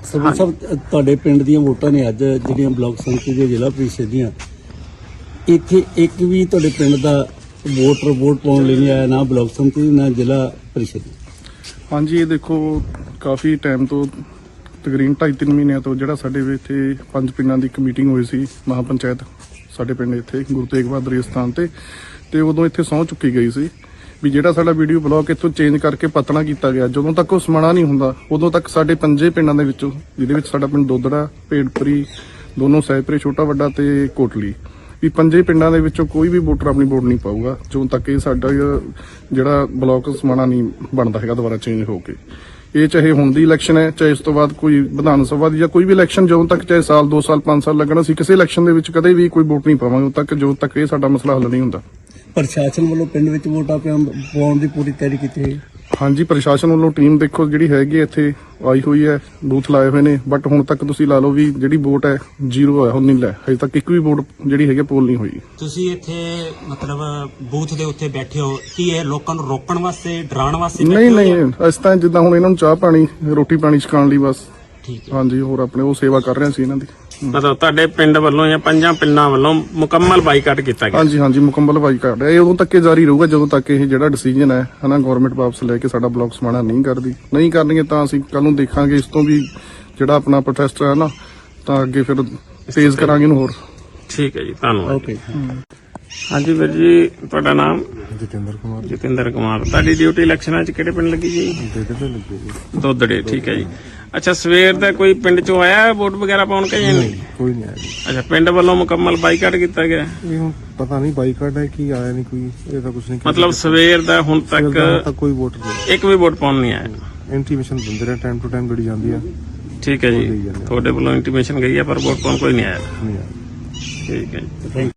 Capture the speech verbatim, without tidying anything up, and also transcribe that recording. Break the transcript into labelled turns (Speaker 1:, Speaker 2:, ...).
Speaker 1: ਸਰਪੰਚ ਸਾਹਿਬ ਤੁਹਾਡੇ ਪਿੰਡ ਦੀਆਂ ਵੋਟਾਂ ਨੇ ਅੱਜ ਜਿਹੜੀਆਂ ਬਲਾਕ ਸੰਮਤੀ ਦੀਆਂ ਜ਼ਿਲ੍ਹਾ ਪ੍ਰੀਸ਼ਦ ਦੀਆਂ, ਇੱਥੇ ਇੱਕ ਵੀ ਤੁਹਾਡੇ ਪਿੰਡ ਦਾ ਵੋਟਰ ਵੋਟ ਪਾਉਣ ਲਈ ਨਹੀਂ ਆਇਆ, ਨਾ ਬਲਾਕ ਸੰਮਤੀ ਨਾ ਜ਼ਿਲ੍ਹਾ ਪ੍ਰੀਸ਼ਦ।
Speaker 2: ਹਾਂਜੀ, ਇਹ ਦੇਖੋ ਕਾਫੀ ਟਾਈਮ ਤੋਂ ਤਕਰੀਬਨ ਢਾਈ ਤਿੰਨ ਮਹੀਨਿਆਂ ਤੋਂ ਜਿਹੜਾ ਸਾਡੇ ਵੀ ਇੱਥੇ ਪੰਜ ਪਿੰਡਾਂ ਦੀ ਇੱਕ ਮੀਟਿੰਗ ਹੋਈ ਸੀ ਮਹਾ ਪੰਚਾਇਤ ਸਾਡੇ ਪਿੰਡ ਇੱਥੇ ਗੁਰੂ ਤੇਗ ਬਹਾਦਰ ਜੀ ਸਥਾਨ ਤੇ ਤੇ ਉਦੋਂ ਇੱਥੇ ਸਹੁੰ ਚੁੱਕੀ ਗਈ ਸੀ ਵੀ ਜਿਹੜਾ ਸਾਡਾ ਵੀਡੀਓ ਬਲਾਕ ਇੱਥੋਂ ਚੇਂਜ ਕਰਕੇ ਪਤਣਾ ਕੀਤਾ ਗਿਆ, ਜਦੋਂ ਤੱਕ ਉਹ ਸਮਾਣਾ ਨਹੀਂ ਹੁੰਦਾ ਉਦੋਂ ਤੱਕ ਸਾਡੇ ਪੰਜੇ ਪਿੰਡਾਂ ਦੇ ਵਿੱਚੋਂ, ਜਿਹਦੇ ਵਿੱਚ ਸਾਡਾ ਪਿੰਡ ਦੋਦੜਾ, ਭੇੜਪੁਰੀ, ਦੋਨੋਂ ਸਹਿਪੁਰੇ, ਛੋਟਾ ਵੱਡਾ ਤੇ ਕੋਟਲੀ, ਵੀ ਪੰਜੇ ਪਿੰਡਾਂ ਦੇ ਵਿੱਚੋਂ ਕੋਈ ਵੀ ਵੋਟਰ ਆਪਣੀ ਵੋਟ ਨਹੀਂ ਪਾਊਗਾ ਜਦੋਂ ਤੱਕ ਇਹ ਸਾਡਾ ਜਿਹੜਾ ਬਲਾਕ ਸਮਾਣਾ ਨਹੀਂ ਬਣਦਾ ਹੈਗਾ ਦੁਬਾਰਾ ਚੇਂਜ ਹੋ ਕੇ। ਇਹ ਚਾਹੇ ਹੁਣ ਦੀ ਇਲੈਕਸ਼ਨ ਹੈ, ਚਾਹੇ ਇਸ ਤੋਂ ਬਾਅਦ ਕੋਈ ਵਿਧਾਨ ਸਭਾ ਦੀ ਜਾਂ ਕੋਈ ਵੀ ਇਲੈਕਸ਼ਨ, ਜਦੋਂ ਤੱਕ ਚਾਹੇ ਸਾਲ ਦੋ ਸਾਲ ਪੰਜ ਸਾਲ ਲੱਗਣਾ, ਅਸੀਂ ਕਿਸੇ ਇਲੈਕਸ਼ਨ ਦੇ ਵਿੱਚ ਕਦੇ ਵੀ ਕੋਈ ਵੋਟ ਨਹੀਂ ਪਾਵਾਂਗੇ ਉਦੋਂ ਤੱਕ ਜਦੋਂ ਤੱਕ ਇਹ ਸਾਡਾ ਮਸਲਾ ਹੱਲ ਨਹੀਂ ਹੁੰਦਾ।
Speaker 1: ਪ੍ਰਸ਼ਾਸਨ ਵੱਲੋਂ ਪਿੰਡ ਵਿੱਚ ਵੋਟਾਂ ਪਾਉਣ ਦੀ ਪੂਰੀ ਤਿਆਰੀ ਕੀਤੀ ਹੈ।
Speaker 2: ਹਾਂਜੀ, ਪ੍ਰਸ਼ਾਸਨ ਵੱਲੋਂ ਟੀਮ ਦੇਖੋ ਜਿਹੜੀ ਹੈਗੀ ਇੱਥੇ ਆਈ ਹੋਈ ਹੈ, ਬੂਥ ਲਾਏ ਹੋਏ ਨੇ, ਬਟ ਹੁਣ ਤੱਕ ਤੁਸੀਂ ਲਾ ਲਓ ਵੀ ਜਿਹੜੀ ਵੋਟ ਹੈ ਜ਼ੀਰੋ ਹੈ, ਹੁਣ ਨਹੀਂ ਲੈ ਹਜੇ ਤੱਕ ਇੱਕ ਵੀ ਵੋਟ ਜਿਹੜੀ ਹੈਗੀ ਪੋਲ ਨਹੀਂ ਹੋਈ।
Speaker 3: ਤੁਸੀਂ ਇੱਥੇ ਮਤਲਬ ਬੂਥ ਦੇ ਉੱਤੇ ਬੈਠੇ ਹੋ, ਕੀ ਇਹ ਲੋਕਾਂ ਨੂੰ ਰੋਕਣ ਵਾਸਤੇ, ਡਰਾਉਣ ਵਾਸਤੇ?
Speaker 2: ਨਹੀਂ ਨਹੀਂ, ਇਸ ਤਾਂ ਜਿੱਦਾਂ ਹੁਣ ਇਹਨਾਂ ਨੂੰ ਚਾਹ ਪਾਣੀ ਰੋਟੀ ਪਾਣੀ ਛਕਾਉਣ ਲਈ ਬਸ।
Speaker 3: ਠੀਕ ਹੈ।
Speaker 2: ਹਾਂਜੀ, ਹੋਰ ਆਪਣੇ ਉਹ ਸੇਵਾ ਕਰ ਰਹੇ ਸੀ ਇਹਨਾਂ ਦੀ।
Speaker 4: ਮਤਲਬ ਤੁਹਾਡੇ ਪਿੰਡ ਵੱਲੋਂ ਜਾਂ ਪੰਜਾਂ ਪਿੰਡਾਂ ਵੱਲੋਂ ਮੁਕੰਮਲ ਬਾਈਕਾਟ ਕੀਤਾ ਗਿਆ?
Speaker 2: ਹਾਂਜੀ ਹਾਂਜੀ, ਮੁਕੰਮਲ ਬਾਈਕਾਟ ਹੈ। ਇਹ ਉਦੋਂ ਤੱਕ ਜਾਰੀ ਰਹੂਗਾ ਜਦੋਂ ਤੱਕ ਇਹ ਜਿਹੜਾ ਡਿਸੀਜਨ ਹੈ ਹਨਾ ਗਵਰਨਮੈਂਟ ਵਾਪਸ ਲੈ ਕੇ ਸਾਡਾ ਬਲਾਕ ਸਮਾਣਾ ਨਹੀਂ ਕਰਦੀ। ਨਹੀਂ ਕਰਨਗੇ ਤਾਂ ਅਸੀਂ ਕੱਲ ਨੂੰ ਦੇਖਾਂਗੇ ਇਸ ਤੋਂ ਵੀ ਜਿਹੜਾ ਆਪਣਾ ਪ੍ਰੋਟੈਸਟ ਹੈ ਨਾ, ਤਾਂ ਅੱਗੇ ਫਿਰ ਤੇਜ਼ ਕਰਾਂਗੇ ਇਹਨੂੰ ਹੋਰ।
Speaker 4: ਠੀਕ ਹੈ ਜੀ, ਧੰਨਵਾਦ।
Speaker 1: ਓਕੇ।
Speaker 4: ਹਾਂਜੀ ਵੀਰ ਜੀ, ਤੁਹਾਡਾ ਨਾਮ?
Speaker 5: ਜਤਿੰਦਰ ਕੁਮਾਰ।
Speaker 4: ਜਤਿੰਦਰ ਕੁਮਾਰ। ਤੁਹਾਡੀ ਡਿਊਟੀ ਇਲੈਕਸ਼ਨਾਂ 'ਚ ਕਿਹੜੇ ਪਿੰਡ ਲੱਗੀ ਜੀ?
Speaker 5: ਦੋਦੜੇ ਲੱਗੇ ਜੀ।
Speaker 4: ਦੋਦੜੇ, ਠੀਕ ਹੈ ਜੀ। ਅੱਛਾ, ਸਵੇਰ ਦਾ ਕੋਈ ਪਿੰਡ 'ਚੋਂ ਆਇਆ ਵੋਟ ਵਗੈਰਾ ਪਾਉਣ ਕੇ ਜਾਂ ਨਹੀਂ?
Speaker 5: ਕੋਈ ਨਹੀਂ ਆਇਆ ਜੀ।
Speaker 4: ਅੱਛਾ, ਪਿੰਡ ਵੱਲੋਂ ਮੁਕੰਮਲ ਬਾਈਕਾਟ ਕੀਤਾ ਗਿਆ?
Speaker 5: ਇਹ ਹੁਣ ਪਤਾ ਨਹੀਂ ਬਾਈਕਾਟ ਹੈ ਕੀ, ਆਇਆ ਨਹੀਂ ਕੋਈ, ਇਹ ਤਾਂ ਕੁਝ ਨਹੀਂ।
Speaker 4: ਮਤਲਬ ਸਵੇਰ ਦਾ ਹੁਣ ਤੱਕ
Speaker 5: ਤੱਕ ਕੋਈ ਵੋਟਰ ਨਹੀਂ,
Speaker 4: ਇੱਕ ਵੀ ਵੋਟ ਪਾਉਣ ਨਹੀਂ ਆਇਆ?
Speaker 5: ਇੰਟੀਮੇਸ਼ਨ ਦਿੰਦੇ ਰਹੇ ਟਾਈਮ ਟੂ ਟਾਈਮ ਜਿਹੜੀ ਜਾਂਦੀ ਆ।
Speaker 4: ਠੀਕ ਹੈ ਜੀ, ਤੁਹਾਡੇ ਵੱਲੋਂ ਇੰਟੀਮੇਸ਼ਨ ਗਈ ਹੈ ਪਰ ਵੋਟ ਪਾਉਣ ਕੋਈ ਨਹੀਂ ਆਇਆ?
Speaker 5: ਨਹੀਂ ਆਇਆ।
Speaker 4: ਠੀਕ ਹੈ ਜੀ।